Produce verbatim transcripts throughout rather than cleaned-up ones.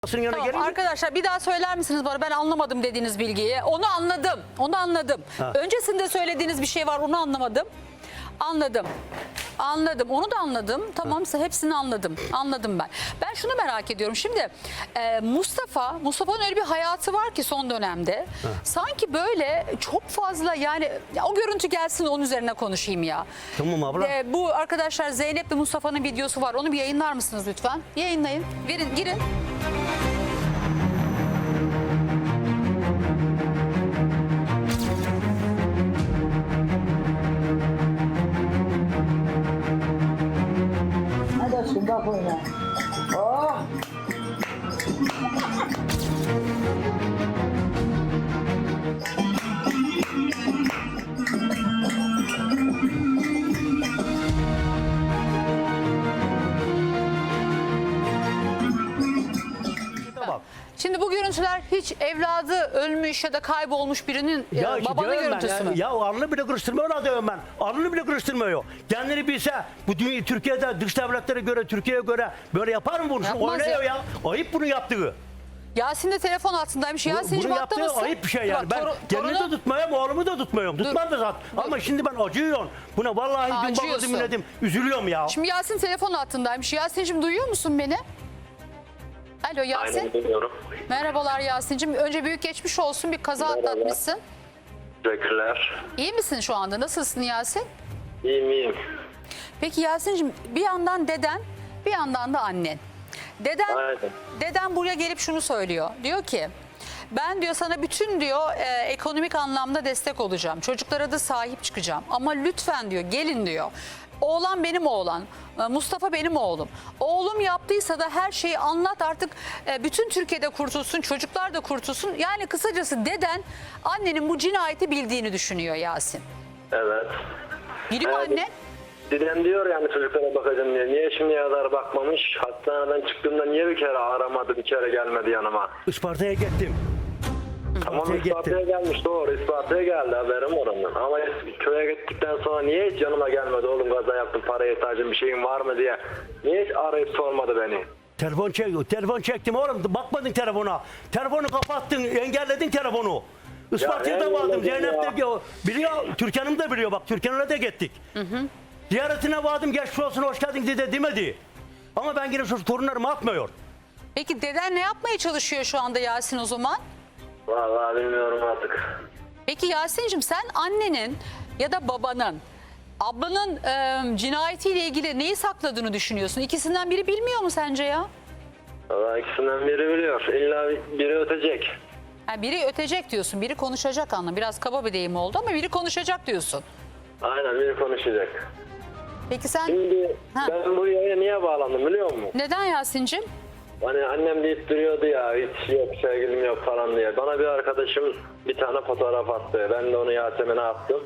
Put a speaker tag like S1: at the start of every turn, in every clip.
S1: yanına
S2: Tamam,
S1: gelince.
S2: arkadaşlar bir daha söyler misiniz bana, ben anlamadım dediğiniz bilgiyi. Onu anladım. Onu anladım.
S1: Ha.
S2: Öncesinde söylediğiniz bir şey var, onu anlamadım. Anladım. Anladım. Onu da anladım. Tamamsa hepsini anladım. Anladım ben. Ben şunu merak ediyorum. Şimdi e, Mustafa, Mustafa'nın öyle bir hayatı var ki son dönemde.
S1: Ha.
S2: Sanki böyle çok fazla, yani ya o görüntü gelsin, onun üzerine konuşayım ya.
S1: Tamam abla.
S2: E, bu arkadaşlar Zeynep ve Mustafa'nın videosu var. Onu bir yayınlar mısınız lütfen? Yayınlayın. Verin, girin.
S3: Hadi aşkım bak oyna. Oh.
S1: Bak.
S2: Şimdi bu görüntüler hiç evladı ölmüş ya da kaybolmuş birinin e,
S1: Ya işte
S2: babanın
S1: diyorum ben
S2: görüntüsü
S1: ya,
S2: mü?
S1: ya alnını bile kırıştırmıyor adamım ben. Alnını bile kırıştırmıyor. Kendini bilse bu dünya, Türkiye'de dış devletlere göre, Türkiye'ye göre böyle yapar mı bunu? Şu
S2: Yapmaz
S1: oynuyor
S2: ya.
S1: ya. Ayıp bunu yaptığı.
S2: Yasin de telefon altındaymış. Yasin'cim
S1: Bunu
S2: hatta
S1: yaptığı
S2: mısın?
S1: ayıp bir şey yani.
S2: Bak,
S1: Ben
S2: toru-
S1: kendimi
S2: torunu-
S1: de tutmuyorum, oğlumu da tutmuyorum. Tutmam da zaten. Ama şimdi ben acıyorum. Buna vallahi dün
S2: Acıyorsun.
S1: bakmadım dinledim. Üzülüyorum ya.
S2: Şimdi Yasin telefon altındaymış. Yasin'cim duyuyor musun beni? Alo Yasin.
S4: Aynen biliyorum.
S2: Merhabalar Yasin'cim. Önce büyük geçmiş olsun. Bir kaza
S4: Merhaba.
S2: atlatmışsın.
S4: Teşekkürler.
S2: İyi misin şu anda? Nasılsın Yasin?
S4: İyiyim iyiyim.
S2: Peki Yasin'cim, bir yandan deden, bir yandan da annen. Deden,
S4: Aynen.
S2: deden buraya gelip şunu söylüyor. Diyor ki ben diyor sana bütün diyor e, ekonomik anlamda destek olacağım. Çocuklara da sahip çıkacağım. Ama lütfen diyor gelin diyor. Oğlan benim oğlan. e, Mustafa benim oğlum. Oğlum yaptıysa da her şeyi anlat artık, e, bütün Türkiye'de kurtulsun, çocuklar da kurtulsun. Yani kısacası deden annenin bu cinayeti bildiğini düşünüyor Yasin.
S4: Evet.
S2: Biliyor
S4: Evet.
S2: anne.
S4: Dedem diyor yani çocuklara bakacağım diye. Niye şimdiye kadar bakmamış? Hastaneden çıktığımda niye bir kere aramadı, bir kere gelmedi yanıma?
S1: Isparta'ya gittim.
S4: Tamam
S1: Isparta'ya
S4: Isparta'ya
S1: gittim.
S4: gelmiş doğru. Isparta'ya geldi haberim oranın. Ama köye gittikten sonra niye hiç yanıma gelmedi? Oğlum kaza yaptım, paraya ihtiyacım, bir şeyin var mı diye. Niye hiç arayıp sormadı beni?
S1: Telefon çek, telefon çektim oğlum. Bakmadın telefona. Telefonu kapattın, engelledin telefonu. Isparta'ya
S4: Ya,
S1: da vardım.
S4: engelledim
S1: Zeynep
S4: ya.
S1: de biliyor. biliyor. Türkan'ım da biliyor. Bak Türkan'la da gittik. Ziyaretine vardım. Geçmiş olsun, hoş geldin dedi demedi. Ama ben yine şu torunlarımı atmıyor.
S2: Peki deden ne yapmaya çalışıyor şu anda Yasin o zaman?
S4: Vallahi bilmiyorum artık.
S2: Peki Yasin'cim, sen annenin ya da babanın, ablanın e, cinayetiyle ilgili neyi sakladığını düşünüyorsun? İkisinden biri bilmiyor mu sence ya?
S4: Vallahi ikisinden biri biliyor. İlla biri ötecek.
S2: Ha, biri ötecek diyorsun, biri konuşacak anlam. Biraz kaba bir deyim oldu ama biri konuşacak diyorsun.
S4: Aynen biri konuşacak.
S2: Peki sen
S4: Şimdi
S2: Ha.
S4: ben bu yayına niye bağlandım biliyor musun?
S2: neden Yasin'cim?
S4: Hani annem deyip duruyordu ya hiç yok sevgilim yok falan diye. Bana bir arkadaşım bir tane fotoğraf attı. Ben de onu Yasemin'e attım.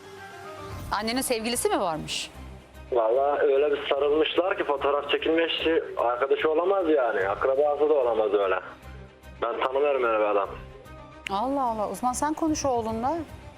S2: Annenin sevgilisi mi varmış?
S4: Vallahi öyle bir sarılmışlar ki fotoğraf çekilmiş arkadaşı olamaz yani. Akrabası da olamaz öyle. Ben tanımıyorum öyle bir adam.
S2: Allah Allah, o zaman sen konuş oğlunla.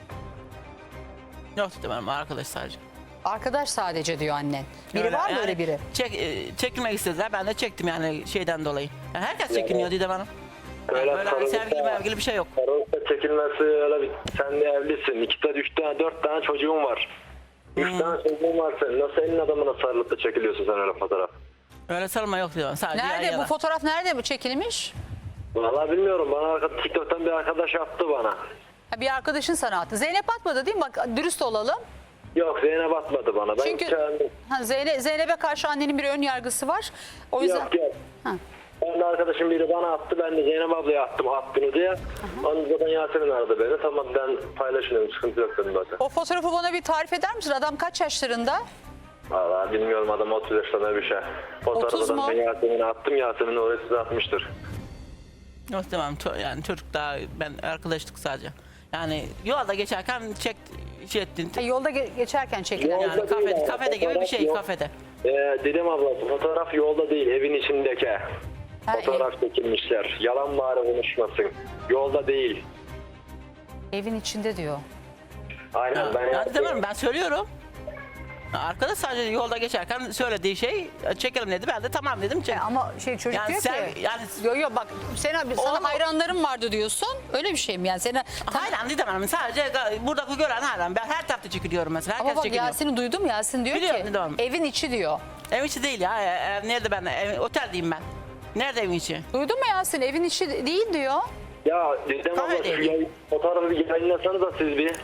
S5: Yok demem arkadaş sadece.
S2: Arkadaş sadece diyor annen. Biri
S5: Öyle,
S2: var mı
S5: yani
S2: öyle biri?
S5: Çek, e, çekilmek istediler ben de çektim yani şeyden dolayı. Yani herkes çekiniyor Didem Hanım. Yani
S4: Öyle
S5: böyle hani
S4: sarılıp
S5: sevgili
S4: da-
S5: mevgili bir şey yok.
S4: Sarılıp da çekilmesi öyle bir... Sen de evlisin. İki tane, üç tane, dört tane çocuğun var. Üç
S5: Hmm.
S4: tane çocuğun var senin. Nasıl elin adamına sarılıp da çekiliyorsun sen öyle fotoğraf?
S5: Öyle sarılma yok Didem Hanım. Sadece yan
S2: Nerede bu
S5: yana.
S2: fotoğraf, nerede bu çekilmiş?
S4: Vallahi bilmiyorum. Bana arka- TikTok'tan bir arkadaş attı bana.
S2: Ha, bir arkadaşın sana attı. Zeynep atmadı değil mi? Bak dürüst olalım.
S4: Yok Zeynep atmadı bana. Ben
S2: Çünkü
S4: kendim...
S2: ha, Zeynep, Zeynep'e karşı annenin bir ön yargısı var. O yüzden
S4: Yok yok.
S2: Ha.
S4: Ben de arkadaşım biri bana attı. Ben de Zeynep ablaya attım at bunu diye. Ondan zaten Yasemin aradı beni. Tamam ben paylaşıyorum. Sıkıntı yok dedim zaten.
S2: o fotoğrafı bana bir tarif eder misin? Adam kaç yaşlarında?
S4: Valla bilmiyorum adam otuz yaşlarında bir şey.
S2: otuz
S4: Fotoğrafı
S2: mu?
S4: ben Yasemin'e attım. Yasemin oraya size atmıştır.
S5: Yok Didem Hanım. ço- Yani çocuk daha ben arkadaşlık sadece. Yani yolda geçerken çek şey ettin.
S2: Ha, yolda ge- geçerken çekilen.
S4: Yok.
S5: Yani
S4: Yolda değil
S5: kafede,
S4: abi,
S5: kafede gibi bir
S4: fotoğraf
S5: şey
S4: yok.
S5: kafede.
S4: Ee, dedim ablası fotoğraf yolda değil evin içindeki.
S2: Ha,
S4: Fotoğraf çekilmişler. Yalan bari konuşmasın. Yolda değil.
S2: Evin içinde diyor.
S4: Aynen
S5: Ya,
S4: ben
S5: ya
S4: yaptım.
S5: Didem Hanım ben söylüyorum. Arkadaş sadece yolda geçerken söylediği şey çekelim dedi. Ben de tamam dedim. Çek.
S2: E ama şey çocuk
S5: Yani
S2: diyor
S5: sen-
S2: ki
S5: yani-
S2: yo yo bak sen abi sana
S5: Oğlum-
S2: hayranlarım vardı diyorsun. Öyle bir şey mi yani? Seni
S5: Hayran dedim, sadece buradaki gören hayran. Ben her tarafta çekiliyorum mesela. Herkes
S2: ama bak
S5: çekiliyor.
S2: Yasin'i duydum. Yasin diyor
S5: Biliyorum,
S2: ki
S5: biliyorum.
S2: evin içi diyor.
S5: Ev içi değil ya. E, e, nerede ben? Ev, oteldeyim ben. Nerede evin içi?
S2: Duydun mu Yasin? Evin içi değil diyor.
S4: Ya Didem abla
S5: Kahve
S4: şu
S5: değil.
S4: yayın, fotoğrafı bir yayınlasanız da siz bir.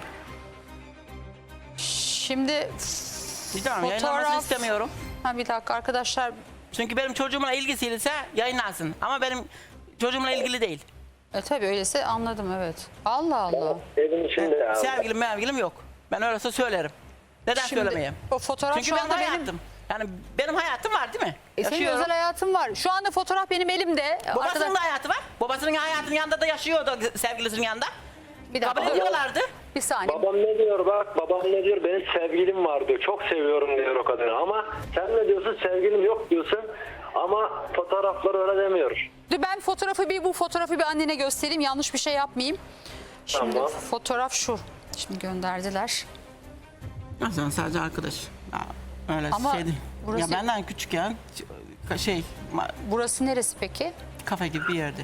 S2: Şimdi
S5: Tamam, yayınlanmasını
S2: fotoğraf...
S5: istemiyorum.
S2: Ha bir dakika arkadaşlar.
S5: Çünkü benim çocuğumla ilgisiyse yayınlansın. Ama benim çocuğumla ilgili değil.
S2: E tabii öyleyse anladım evet. Allah Allah.
S4: Evin içinde ya.
S5: Sevgilim mevgilim yok. Ben öyleyse söylerim. Neden
S2: Şimdi
S5: söylemeyeyim?
S2: o fotoğraf
S5: Çünkü
S2: şu
S5: benim
S2: anda benim...
S5: hayatım. Yani benim hayatım var değil mi?
S2: E senin
S5: Yaşıyorum.
S2: özel hayatın var. Şu anda fotoğraf benim elimde.
S5: Babasının
S2: Arkadaş-
S5: da hayatı var. Babasının hayatının yanında da yaşıyordu sevgilisinin yanında.
S2: Bir dakika.
S5: Kabul ediyorlardı.
S2: Bir saniye.
S4: Babam ne diyor bak, babam ne diyor, benim sevgilim var diyor, çok seviyorum diyor o kadını. Ama sen ne diyorsun, sevgilim yok diyorsun ama fotoğraflar öyle demiyor.
S2: Dur ben fotoğrafı bir bu fotoğrafı bir annene göstereyim. Yanlış bir şey yapmayayım. Şimdi
S4: Tamam.
S2: fotoğraf şu. Şimdi gönderdiler.
S5: Aslında sadece arkadaş. Ya, öyle
S2: Ama
S5: şey değil.
S2: burası-
S5: Ya benden küçük ya. Şey, ma-
S2: Burası neresi peki?
S5: kafe gibi bir yerde.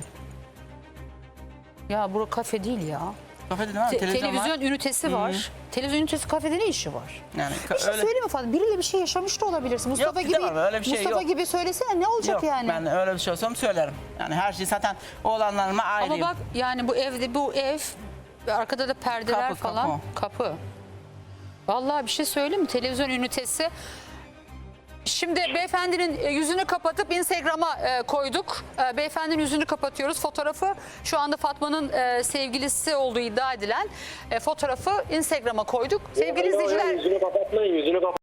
S2: Ya bura kafe değil ya.
S5: Kafe dedim ama
S2: Te-
S5: televizyon,
S2: televizyon
S5: var.
S2: ünitesi var. Televizyon ünitesi kafede ne işi var?
S5: Yani
S2: Bir
S5: ka-
S2: şey
S5: öyle.
S2: söyleyeyim mi Fatma? Biriyle bir şey yaşamış da olabilirsin. Mustafa
S5: Yok,
S2: gibi
S5: gidemem, öyle bir şey
S2: Mustafa
S5: yok.
S2: gibi söylesene ne olacak
S5: Yok,
S2: yani?
S5: ben öyle bir şey olsam söylerim. Yani her şey zaten oğlanlarıma ayrıyım.
S2: Ama bak yani bu evde bu ev arkada da perdeler
S5: Kapı,
S2: falan kapı. Vallahi bir şey söyleyeyim mi? Televizyon ünitesi. Şimdi beyefendinin e, yüzünü kapatıp Instagram'a e, koyduk. E, beyefendinin yüzünü kapatıyoruz. Fotoğrafı şu anda Fatma'nın e, sevgilisi olduğu iddia edilen e, fotoğrafı Instagram'a koyduk. Sevgili
S4: Yo, yo,
S2: izleyiciler
S4: Yüzünü kapatmayın, yüzünü kapat.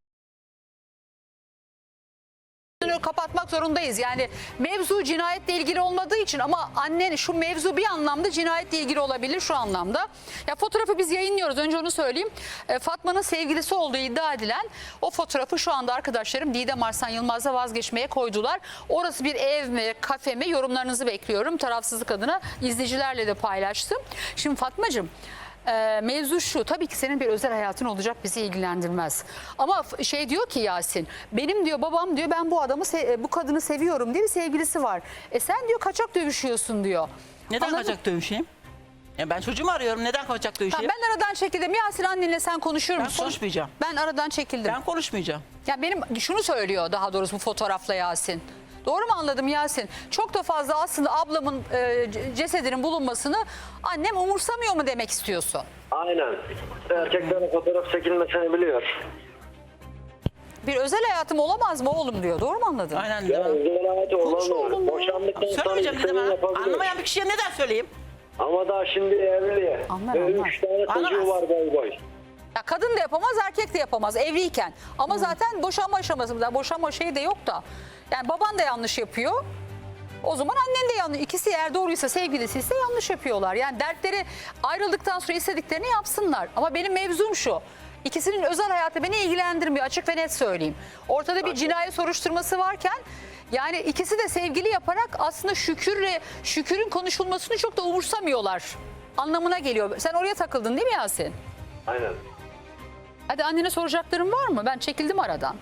S2: yüzünü kapatmak zorundayız. Yani mevzu cinayetle ilgili olmadığı için ama annen şu mevzu bir anlamda cinayetle ilgili olabilir şu anlamda. Ya fotoğrafı biz yayınlıyoruz. Önce onu söyleyeyim. E, Fatma'nın sevgilisi olduğu iddia edilen o fotoğrafı şu anda arkadaşlarım Didem Arslan Yılmaz'la vazgeçmeye koydular. Orası bir ev mi, kafe mi? Yorumlarınızı bekliyorum. Tarafsızlık adına izleyicilerle de paylaştım. Şimdi Fatmacığım, Ee, mevzu şu, tabii ki senin bir özel hayatın olacak, bizi ilgilendirmez. Ama f- şey diyor ki Yasin, benim diyor babam diyor ben bu adamı se- bu kadını seviyorum diye bir sevgilisi var. E sen diyor kaçak dövüşüyorsun diyor.
S5: Neden
S2: Anladın?
S5: kaçak dövüşeyim? Ya ben çocuğumu arıyorum. Neden kaçak
S2: Ha,
S5: dövüşeyim?
S2: ben aradan çekildim. Yasin annenle sen konuşur
S5: Ben
S2: musun?
S5: konuşmayacağım.
S2: Ben aradan çekildim.
S5: Ben konuşmayacağım.
S2: Ya benim şunu söylüyor daha doğrusu bu fotoğrafla Yasin. Doğru mu anladım Yasin? Çok da fazla aslında ablamın e, c- cesedinin bulunmasını annem umursamıyor mu demek istiyorsun?
S4: Aynen. Erkeklerin fotoğraf çekilmesini biliyor.
S2: Bir özel hayatım olamaz mı oğlum diyor. Doğru mu anladın?
S5: Aynen
S4: Ya
S5: dedim.
S4: özel hayatı
S2: Konuş oğlum
S4: olamıyor.
S2: ya.
S4: Boşandıktan sonra
S5: Söylemeyeceğim dedim
S4: istediğini
S5: ha.
S4: yapabiliyor.
S5: Anlamayan bir kişiye neden söyleyeyim?
S4: Ama daha şimdi evli.
S2: Anlar,
S4: Ve
S2: anlar.
S4: üç tane
S5: Anlamaz.
S4: çocuğu var boy boy.
S2: Ya kadın da yapamaz, erkek de yapamaz evliyken. Ama zaten boşanma aşamasında, boşanma şeyi de yok da. Yani baban da yanlış yapıyor. O zaman annen de yanlış. İkisi eğer doğruysa, sevgilisi ise yanlış yapıyorlar. Yani dertleri ayrıldıktan sonra istediklerini yapsınlar. Ama benim mevzum şu. İkisinin özel hayatı beni ilgilendirmiyor, açık ve net söyleyeyim. Ortada bir cinayet soruşturması varken yani ikisi de sevgili yaparak aslında Şükür'le Şükür'ün konuşulmasını çok da umursamıyorlar anlamına geliyor. Sen oraya takıldın değil mi Yasin?
S4: Aynen.
S2: Hadi annene soracaklarım var mı? Ben çekildim aradan.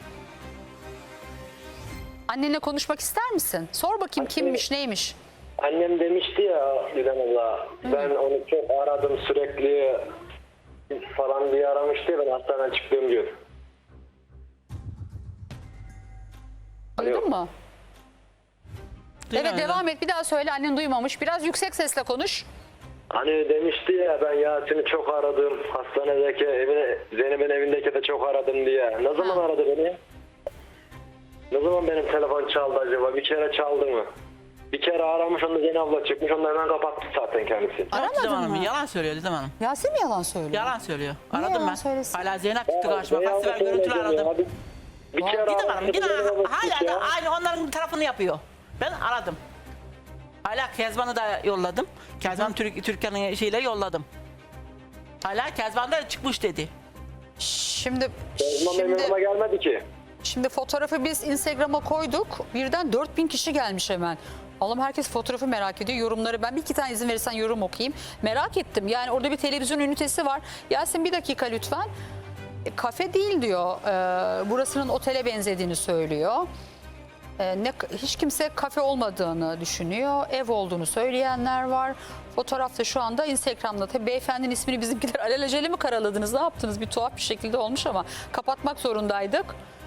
S2: Annenle konuşmak ister misin? Sor bakayım kimmiş, neymiş?
S4: Annem demişti ya Didem abla, ben onu çok aradım sürekli falan diye aramıştı ya, ben hastaneden çıktığım gün.
S2: Duydun mu?
S5: Duymadım.
S2: Evet devam et. Bir daha söyle. Annen duymamış. Biraz yüksek sesle konuş.
S4: Hani demişti ya, ben Yasin'i çok aradım, hastanedeki evine, Zeynep'in evindeki de çok aradım diye. Ne zaman
S2: Ha.
S4: aradı beni? Ne zaman benim telefon çaldı acaba? Bir kere çaldı mı? Bir kere aramış, onda Zeynep abla çıkmış, onu hemen kapattı zaten kendisi.
S5: Yok
S2: Aramadın
S5: Didem Hanım,
S2: mı?
S5: yalan söylüyor Didem Hanım.
S2: Yasin mi yalan söylüyor?
S5: Yalan söylüyor.
S2: Niye
S5: Aradım
S2: yalan
S5: ben.
S2: söylesin?
S5: Hala Zeynep çıktı
S4: Ya,
S5: karşıma.
S4: Zeynep
S5: Kaç sefer
S4: abla
S5: görüntülü
S4: söyledi ya.
S5: aradım.
S4: Bir, bir kere
S5: Didem Hanım
S4: aramıştı,
S5: yine
S4: Zeynep abla
S5: hala
S4: çıkmış ya.
S5: da aynı onların tarafını yapıyor. Ben aradım. Hala Kezban'ı da yolladım. Kezban Türk, Türkiye'nin şeyle yolladım. Hala Kezban da çıkmış dedi.
S2: Şimdi
S4: Kezban benim yanıma
S2: şimdi,
S4: gelmedi ki.
S2: şimdi fotoğrafı biz Instagram'a koyduk. Birden dört bin kişi gelmiş hemen. Allah'ım herkes fotoğrafı merak ediyor. Yorumları ben bir iki tane izin verirsen yorum okuyayım. Merak ettim. Yani orada bir televizyon ünitesi var. Yasin bir dakika lütfen. E, kafe değil diyor. E, burasının otele benzediğini söylüyor. E, ne, hiç kimse kafe olmadığını düşünüyor. Ev olduğunu söyleyenler var. Fotoğrafta şu anda Instagram'da. Tabii beyefendinin ismini bizimkiler alelacele mi karaladınız? Ne yaptınız? Bir tuhaf bir şekilde olmuş ama kapatmak zorundaydık.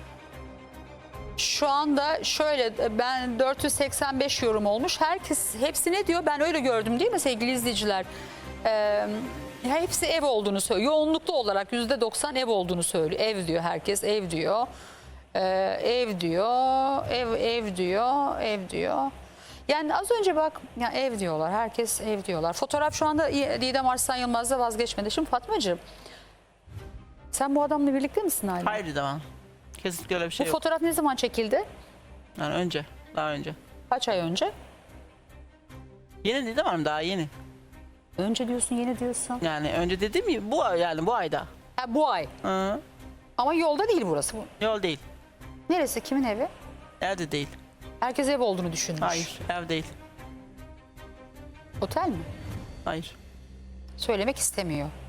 S2: Şu anda şöyle, ben dört yüz seksen beş yorum olmuş. Herkes hepsi ne diyor? Ben öyle gördüm değil mi sevgili izleyiciler? Ee, hepsi ev olduğunu söylüyor. Yoğunluklu olarak yüzde doksan ev olduğunu söylüyor. Ev diyor herkes, ev diyor. Ee, ev diyor, ev ev diyor, ev diyor. Yani az önce bak, ya ev diyorlar. Herkes ev diyorlar. Fotoğraf şu anda Didem Arslan Yılmaz'da vazgeçmedi. Şimdi Fatmacığım, sen bu adamla birlikte misin hala?
S5: Hayır devam. Kesinlikle öyle bir şey
S2: Bu
S5: yok.
S2: fotoğraf ne zaman çekildi?
S5: Yani önce. Daha önce.
S2: Kaç ay önce?
S5: Yeni dedim ama daha yeni.
S2: Önce diyorsun, yeni diyorsun.
S5: Yani önce dediğim gibi bu ay- yani bu ayda.
S2: Ha, bu ay.
S5: Hı.
S2: Ama yolda değil burası. Bu.
S5: Yol değil.
S2: Neresi? Kimin evi?
S5: Evde değil.
S2: Herkes ev olduğunu düşünmüş.
S5: Hayır. Ev değil.
S2: Otel mi?
S5: Hayır.
S2: Söylemek istemiyor.